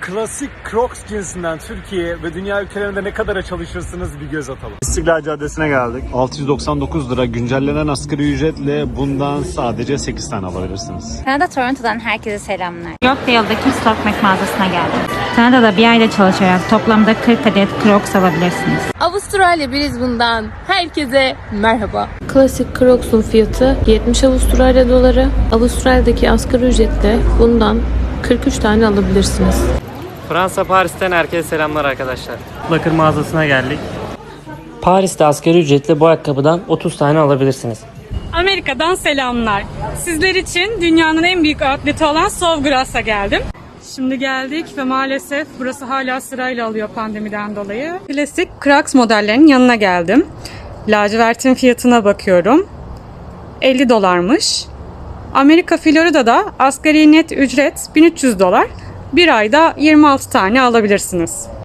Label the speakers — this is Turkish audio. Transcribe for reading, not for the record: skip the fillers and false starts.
Speaker 1: Klasik Crocs cinsinden Türkiye ve dünya ülkelerinde ne kadara çalışırsınız bir göz atalım. İstiklal Caddesi'ne geldik. 699 lira güncellenen asgari ücretle bundan sadece 8 tane alabilirsiniz.
Speaker 2: Kanada Toronto'dan herkese selamlar.
Speaker 3: Yorkdale'daki Stockmac mağazasına geldim. Kanada'da bir ayda çalışarak toplamda 40 adet Crocs alabilirsiniz.
Speaker 4: Avustralya Brisbane'dan herkese merhaba. Klasik Crocs'un fiyatı 70 Avustralya doları. Avustralya'daki asgari ücretle bundan 43 tane alabilirsiniz.
Speaker 5: Fransa Paris'ten herkese selamlar arkadaşlar. Bakır mağazasına geldik. Paris'te asgari ücretle bu ayakkabıdan 30 tane alabilirsiniz.
Speaker 6: Amerika'dan selamlar. Sizler için dünyanın en büyük outleti olan Sovgrass'a geldim. Şimdi geldik ve maalesef burası hala sırayla alıyor pandemiden dolayı. Klasik Crocs modellerinin yanına geldim. Lacivert'in fiyatına bakıyorum. 50 dolarmış. Amerika Florida'da asgari net ücret 1300 dolar. Bir ayda 26 tane alabilirsiniz.